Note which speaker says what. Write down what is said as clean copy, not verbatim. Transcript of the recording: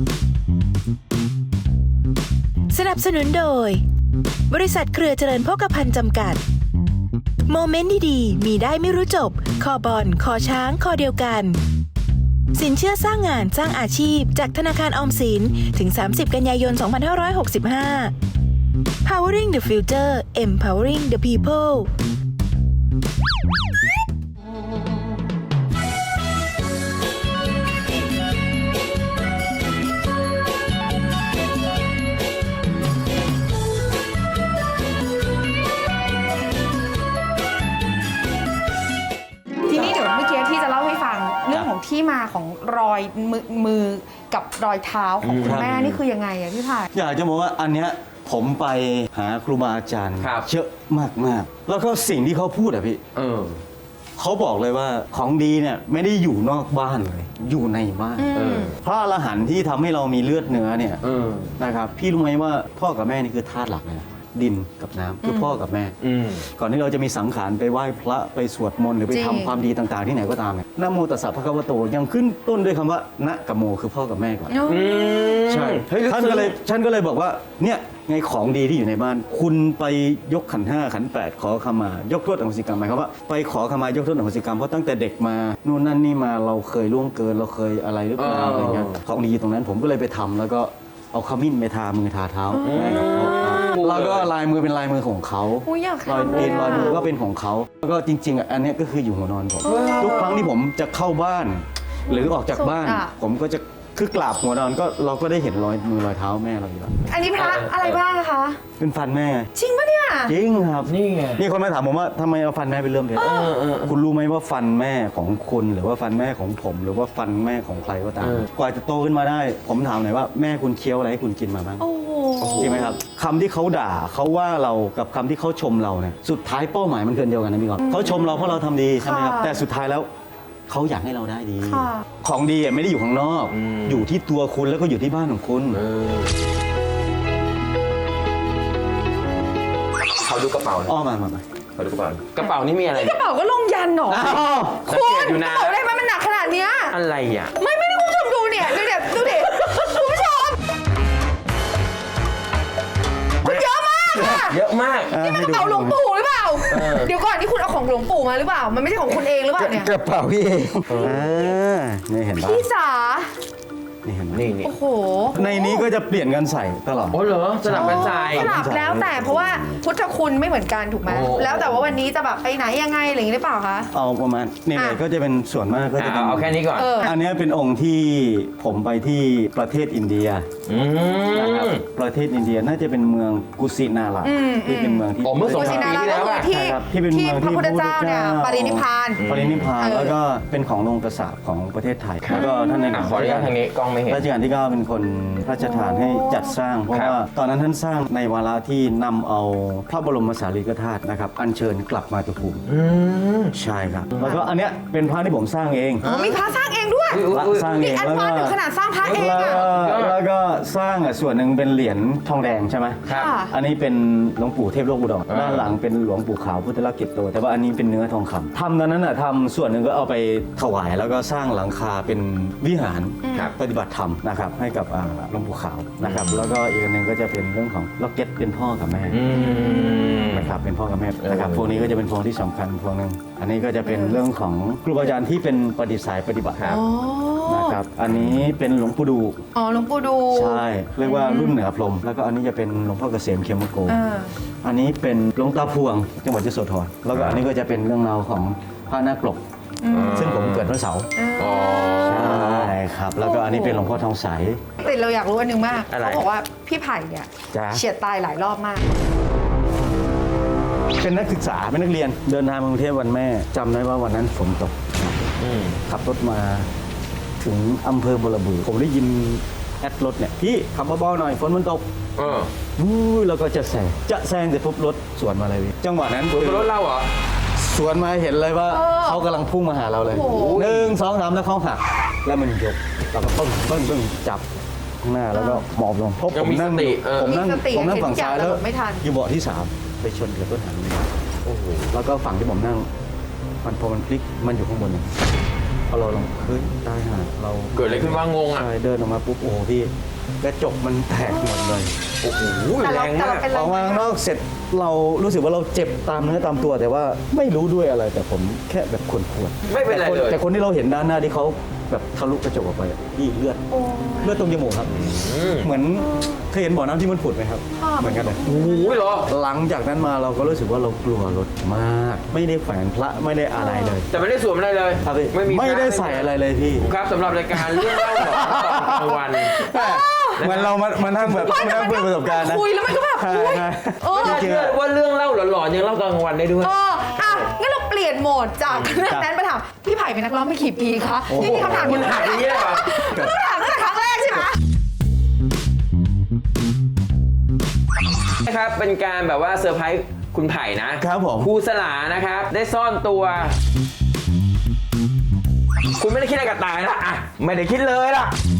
Speaker 1: สนับสนุนโดยบริษัทเครือเจริญโภคภัณฑ์จำกัดโมเมนต์ดีๆมีได้ไม่รู้จบคอบอลคอช้างคอเดียวกันสินเชื่อสร้างงานสร้างอาชีพจากธนาคารออมสินถึง30 กันยายน 2565 Powering the Future Empowering the People
Speaker 2: ทีนี้เดี๋ยวเมื่อกี้ที่จะเล่าให้ฟังเรื่องของที่มาของรอยมือกับรอยเท้าของคุณแม่นี่คือยังไงอะพี่พาย
Speaker 3: อยากจะบอกว่าอันเนี้ยผมไปหาครูบาอาจารย์เยอะมากๆแล้วก็สิ่งที่เขาพูดอะพี่เขาบอกเลยว่าของดีเนี่ยไม่ได้อยู่นอกบ้านเลยอยู่ในบ้านพระอรหันต์ที่ทำให้เรามีเลือดเนื้อเนี่ยนะครับพี่รู้ไหมว่าพ่อกับแม่นี่คือธาตุหลักเลยนะดินกับน้ำคือพ่อกับแม่ก่อนที่เราจะมีสังขารไปไหว้พระไปสวดมนต์หรือไปทำความดีต่างๆที่ไหนก็ตามเนี่ยนะโมตัสสะภะคะวะโตยังขึ้นต้นด้วยคำว่านะกับโมคือพ่อกับแม่ก่อนใช่ท่านก็เลยบอกว่าเนี่ยไงของดีที่อยู่ในบ้านคุณไปยกขันธ์ 5ขันธ์ 8ขอขมายกโทษอโหสิกรรมหมายความว่าไปขอขมายกโทษอโหสิกรรมเพราะตั้งแต่เด็กมานู่นนั่นนี่มาเราเคยล่วงเกินเราเคยอะไรหรือเปล่าอะไรเงี้ยของดีตรงนั้นผมก็เลยไปทำแล้วก็เอาขมิ้นไปทามือทาเท้าแม่กับพ่อแล้วก็ลายมือเป็นลายมือของเขารอยตีนรอยมือก็เป็นของเขาแล้วก็จริงๆอันนี้ก็คืออยู่หัวนอนผมทุกครั้งที่ผมจะเข้าบ้านหรือออกจากบ้านผมก็จะคือกราบหัวนอนก็เราก็ได้เห็นรอยมือรอยเท้าแม่เราอยู่แล้ว
Speaker 2: อันนี้พระอะไรบ้างคะ
Speaker 3: เป็นฟันแม่
Speaker 2: จริงปะเนี่ย
Speaker 3: จริงครับนี่ไงมีคนมาถามผมว่าทำไมเอาฟันแม่เป็นเรื่องเด็ดคุณรู้ไหมว่าฟันแม่ของคุณหรือว่าฟันแม่ของผมหรือว่าฟันแม่ของใครก็ตามกว่าจะโตขึ้นมาได้ผมถามหน่อยว่าแม่คุณเคี้ยวอะไรให้คุณกินมาบ้างจริงไหมครับคำที่เขาด่าเขาว่าเรากับคำที่เขาชมเราเนี่ยสุดท้ายเป้าหมายมันเกินเดียวกันนะพี่กอล์ฟเขาชมเราเพราะเราทำดีใช่ไหมครับแต่สุดท้ายแล้วเขาอยากให้เราได้ดีของดีไม่ได้อยู่ข้างนอกอยู่ที่ตัวคุณแล้วก็อยู่ที่บ้านของคุณ
Speaker 4: เขาดูกระเป๋า
Speaker 3: อ้อมา
Speaker 4: เขาดูกระเป๋านี่มีอะไร
Speaker 2: กระเป๋าก็ลงยันหรอคุณกระเป๋าได้ไหมมันหนักขนาดเนี้ย
Speaker 4: อะไรอ่ะ
Speaker 2: ไม่ได้คุณผู้ชมดูเนี่ยดูดิคุณผู้ชมมันเยอะมากค่ะ
Speaker 4: เยอะมาก
Speaker 2: นี่มันกระเป๋าหลวงปู่หรือเปล่าเดี๋ยวก่อนนี่คุณเอาของหลวงปู่มาหรือเปล่ามันไม่ใช่ของคุณเองหรือเปล่าเนี่ย
Speaker 3: กระเป๋าพี่เองนี่เห็นปะ
Speaker 2: พี่จ๋า
Speaker 3: นี่เห็นไหม
Speaker 2: โอ้โห
Speaker 3: ในนี้ก็จะเปลี่ยนกันใส่ตลอด
Speaker 4: โอ้เหรอสลับกันใส่
Speaker 2: สลับแล้วแต่เพราะว่าพุทธคุณไม่เหมือนกันถูกไหมแล้วแต่ว่าวันนี้จะแบบไปไหนยังไงอะไรอย่างนี้หรือเปล่าคะ
Speaker 3: เอาประมาณนี่เลยก็จะเป็นส่วนมากก็จะ
Speaker 4: เอาแค่นี้ก่อน
Speaker 3: อันนี้เป็นองค์ที่ผมไปที่ประเทศอินเดียนะครับประเทศอินเดียน่าจะเป็นเมืองกุสินาราที่เป็นเมืองที่
Speaker 4: เมื่อ2 ปีที่แล้ว
Speaker 3: ที่เป็นเมืองที่พระพุทธเจ้า
Speaker 2: เนี่ยปรินิพพาน
Speaker 3: แล้วก็เป็นของโรงกษาปของประเทศไทยแล้วก็ท่านในหลวง
Speaker 4: ขออนุญาตทางนี้กล้องไม่เห็น
Speaker 3: รัชกาลที่ 9เป็นคนพระราชทานให้จัดสร้างเพราะว่าตอนนั้นท่านสร้างในวาระที่นำเอาพระบรมสารีริกธาตุนะครับอัญเชิญกลับมาตุภูมิใช่ครับแล้วก็อันเนี้ยเป็นพระที่ผมสร้างเอง
Speaker 2: มีพระสร้างเองด้วย
Speaker 3: สร้างเอง
Speaker 2: แล้วก็ขนาดสร้างพระเอง
Speaker 3: แล้วก็สร้างส่วนหนึ่งเป็นเหรียญทองแดงใช่ไหมอันนี้เป็นหลวงปู่เทพโลกอุดรด้านหลังเป็นหลวงปู่ขาวพุทธลักษณ์กิจโตแต่ว่าอันนี้เป็นเนื้อทองคำทำตอนนั้นทำส่วนหนึ่งก็เอาไปถวายแล้วก็สร้างหลังคาเป็นวิหารปฏิบัติธรรมนะครับให้กับหลวงปู่ขาวนะครับแล้วก็อีกอันหนึ่งก็จะเป็นเรื่องของล็อกเก็ตเป็นพ่อกับแม่นะครับเป็นพ่อกับแม่นะครับพวกนี้ก็จะเป็นพวงที่สำคัญพวงนึงอันนี้ก็จะเป็นเรื่องของครูบาอาจารย์ที่เป็นปฏิสายปฏิบัตินะครับอันนี้เป็นหลวงปู่ดู
Speaker 2: หลวงปู่ดู
Speaker 3: ใช่เรียกว่ารุ่นเหนือพรหมแล้วก็อันนี้จะเป็นหลวงพ่อเกษมเขมโกอันนี้เป็นหลวงตาพวงจังหวัดยโสธรแล้วก็อันนี้ก็จะเป็นเรื่องราวของพระนาคปลกซึ่งผมเกิดวันเสาร์ใช่ครับแล้วก็อันนี้เป็นหลวงพ่อทองใส
Speaker 2: แต่เราอยากรู้อันนึงมากเขาบอกว่าพี่ไผ่เนี่ยเฉียดตายหลายรอบมาก
Speaker 3: เป็นนักศึกษาเป็นนักเรียนเดินทางมากรุงเทพวันแม่จำได้ว่าวันนั้นฝนตกขับรถมาถึงอำเภอบัวระบือผมได้ยินแอดรถเนี่ยพี่ขับเบาๆหน่อยฝนมันตกแล้วก็จะแซงเสร็จปุ๊บรถสวนมาเลยจังหวะนั้น
Speaker 4: รถเราเหรอ
Speaker 3: สวนมาเห็นเลยว่าเขากำลังพุ่งมาหาเราเลย1 2 3แล้วเขาหักแล้วมันยกเราก็ต้นจับข้างหน้าแล้วก็หมอบลงพบผมนั่งฝั่งซ้ายแล้วอยู่เบาะที่3ไปชนกับต้นหางแล้วก็ฝั่งที่ผมนั่งพอมันพลิกมันอยู่ข้างบนพอเราลงเฮ้ยตายห่าเรา
Speaker 4: เกิดอะไรขึ้นว่างงอ่ะ
Speaker 3: ใช่เดินออกมาปุ๊บโอ้โหพี่กระจกมันแตกหมดเลย
Speaker 4: โอ้โห
Speaker 2: แต่
Speaker 4: แร
Speaker 2: เรา
Speaker 4: ง
Speaker 2: แต่
Speaker 4: มา
Speaker 2: เรา
Speaker 4: ก
Speaker 2: เป็น
Speaker 3: ออกมาข้างนอกเสร็จเรารู้สึกว่าเราเจ็บตามเนื้อตามตัวแต่ว่าไม่รู้ด้วยอะไรแต่ผมแค่แบบขวนๆ
Speaker 4: ไม่เป็นไรเลย
Speaker 3: แต่คนที่เราเห็นด้านหน้าที่เขาแบบทะลุกระจกออกไปอะพี่เลือดตรงจมูกครับ เหมือนเคยเห็นบ่อน้ำที่มันผุดไหมครับ เหมือนกันเลย
Speaker 4: โอ้โหเหรอ
Speaker 3: หลังจากนั้นมาเราก็รู้สึกว่าเรากลัวรถมาก ไม่ได้แขวนพระไม่ได้อะไรเลย
Speaker 4: แต่ไม่ได้สวมอะไรเลย
Speaker 3: ครับพี่
Speaker 4: ไม่มี
Speaker 3: ไม่ได้ใส่อะไรเลยพี่
Speaker 4: ครับสำหรับรายการเรื่องเล่าหลอนกลางวัน
Speaker 3: เหมือนเรามานั่งแบบนั่งคุยประสบการณ์นะ
Speaker 2: คุยแล้วมันก็แบบ
Speaker 3: ใช่
Speaker 2: คุย
Speaker 3: ใช่
Speaker 2: เออ
Speaker 4: ไม่น่าเชื่อว่าเรื่องเล่าหลอนๆยังเล่ากลางวันได้ด้วย
Speaker 2: อ่ะงั้นเราเปลี่ยนโหมดจากเรื่องนั้นมาถามพี่ไผ่เป็นนักร้องมากี่ปีคะนี่มีคำถาม
Speaker 4: คุณถามอย่างนี้เลยเหรอ
Speaker 2: คำถามตั้งแต่ครั้งแรกใช่ไหม
Speaker 4: นะครับเป็นการแบบว่าเซอร์ไพรส์คุณไผ่นะครับ
Speaker 3: ผม
Speaker 4: ครูสลานะครับ ได้ซ่อนตัว คุณไม่ได้คิดอะไรกับตายนะอ่ะไม่ได้คิดเลยล่ะ